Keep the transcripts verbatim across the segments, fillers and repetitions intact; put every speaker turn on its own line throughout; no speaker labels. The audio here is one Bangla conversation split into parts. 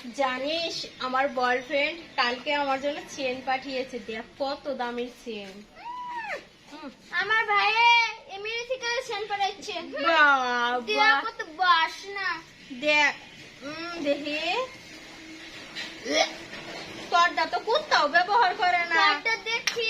জানিস আমার বয়ফ্রেন্ড কালকে আমার জন্য চেন পাঠিয়েছে, দেখ কত দামের চেন।
আমার ভাই এমনি থেকে সেন পাঠাচ্ছে।
বাবা
কত বাসনা
দেখ, উম, দেখি তোরটা তো কোথাও ব্যবহার করে না।
তোরটা দেখি,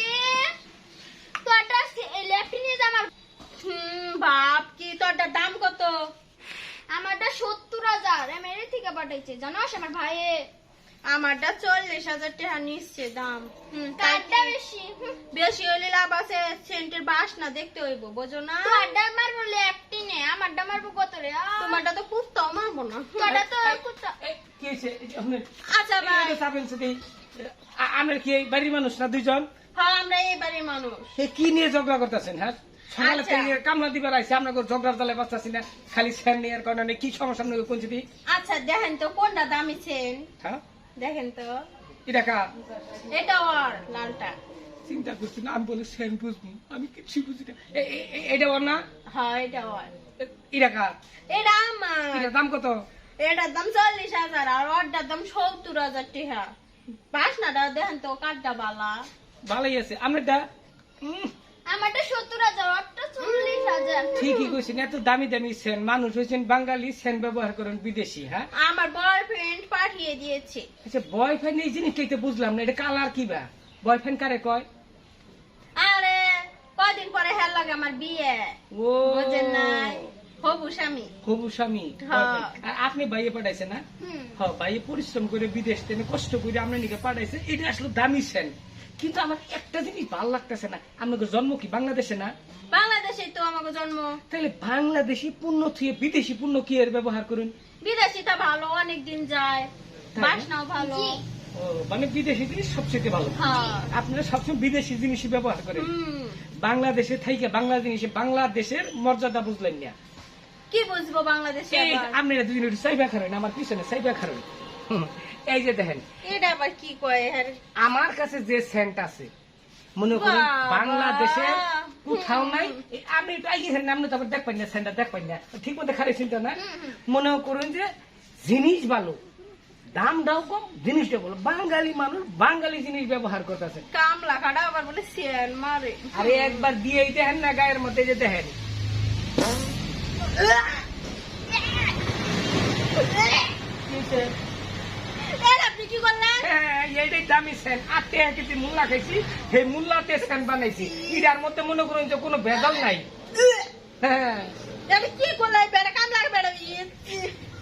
তোরটা লেফট নিয়ে যা। আমার
হুম বাপ কি তোরটার দাম কত?
আমারটা সত্তর হাজার এমনি থেকে পাঠাইছে, জানোস আমার ভাই।
আমারটা চল্লিশ হাজার টাকা নিচ্ছে দাম। হুম তাই
কারটা
কি?
বেশি। হুম,
বেশি হইলে লাভ আছে, সেন্টের বাসনা দেখতে হইব, বোঝো না?
তোরটা মারবো লেফটি নে, আমারটা মারবো কত রে? আহ,
তোমারটা তো কুত্তাও মারবো না।
তোরটা তো কুত্তা।
এই, কি হয়েছে? এই যে আপনার
আচ্ছা ভাই,
এই যে চাপেন সাথে, আ- আপনার কি এই বাড়ির মানুষ না দুইজন?
হ্যাঁ আমরা এই বাড়ির মানুষ।
এ কি নিয়ে ঝগড়া করতেছেন? হ্যাঁ, সকালে
আচ্ছা।
থেকে কামলা দিবার আইসে আপনাকে ঝগড়ার তালে বাঁচতেছি না, খালি স্যার নিয়ে কারণে কি সমস্যা আপনাকে কোন দিই?
আচ্ছা দেখেন তো কোনটা দামি চেন,
হ্যাঁ,
দেখেন তো।
এটা কা
এটা ওর লালটা।
চিন্তা করছি না, আমি বলে স্যার বুঝবো, আমি কিছু বুঝি না। এ- এ- এ- এটা ওর না?
হ্যাঁ এটা ওর।
এ- এটা কা?
এটা আমার।
এটার দাম কত?
এটার দাম চল্লিশ হাজার আর ওরটার দাম সত্তর হাজার টাকা। বাসনাটা দেখেন তো কাঠটা বালা।
ভালোই আছে। আপনারটা উম,
আমারটা সত্তর হাজার, ওরটা চল্লিশ হাজার।
ঠিকই কইছেন, এত দামি দামি সেন, মানুষ হয়েছেন বাঙালি, সেন ব্যবহার করেন বিদেশি। হ্যাঁ,
আমার বয়ফ্রেন্ড পাঠিয়ে দিয়েছে।
আচ্ছা বয়ফ্রেন্ড এই জিনিসটাই তো বুঝলাম না, এটা কালার কি বা? বয়ফ্রেন্ড কারে কয়?
আরে কদিন পরে হেল লাগে আমার বিয়ে,
ও
বুঝেন নাই? হবু স্বামী।
হবু স্বামী।
হ্যাঁ।
boyfriend। আর আপনি বাইয়ে পাঠাইছেন না?
হুম,
হ্যাঁ, বাইয়ে পরিশ্রম করে বিদেশ থেকে কষ্ট করে আপনার নিকে পাঠাইছে, এটা আসলে দামি সেন। কিন্তু আমার একটা জিনিস ভালো লাগতেছে না, আপনাদের জন্ম কি বাংলাদেশে না?
বাংলাদেশে তো আমাকে জন্ম।
তাহলে বাংলাদেশি পণ্য থুয়ে বিদেশি পণ্য কি এর ব্যবহার করুন?
বিদেশিটা ভালো, অনেক দিন যায়,
তাই?
বাসনাও ভালো।
জি।
ও, মানে বিদেশি জিনিস সবচেয়ে ভালো।
হ্যাঁ।
আপনারা সবসময় বিদেশি জিনিসই ব্যবহার করেন,
হুম,
বাংলাদেশে থেকে বাংলা জিনিসে বাংলাদেশের মর্যাদা বুঝলেন না।
কি বুঝবো বাংলাদেশে
এই
আবার?
আপনারা দুদিন একটু সাইবা খারেন, আমার পিছনে সাইবা খারেন। হুম, এই যে দেখেন,
এটা আবার কি কয়? হ্যাঁ
আমার কাছে যে সেন্ট আছে, মনে করুন
বাবা।
বাংলাদেশে কোথাও নাই। এই আপনি একটু আগে গেছেন, আপনি তো আবার দেখ পাই না, সেন্টার দেখ পাই না, ঠিক মতো খারে চিন্তা না। মনে করুন যে জিনিস ভালো, দাম দাও কম, জিনিসটা বলো, বাঙালি মানুষ বাঙালি জিনিস ব্যবহার করতেছে।
কামলা কাটা আবার বলে সেল মারে।
আরে একবার দিয়েই দেখেন না গায়ের মধ্যে, যে দেখেন
এর আপনি কি করলেন?
হ্যাঁ, এইটাই দামি সেন। আট টাকা কেজি মূল্যা খাইছি, সেই মূল্যাতে সেন বানাইছি। এটার মধ্যে মনে করুন যে কোনো ভেজাল নাই। হ্যাঁ,
আমি কি করলাম? বেড়া কামলা বেড়া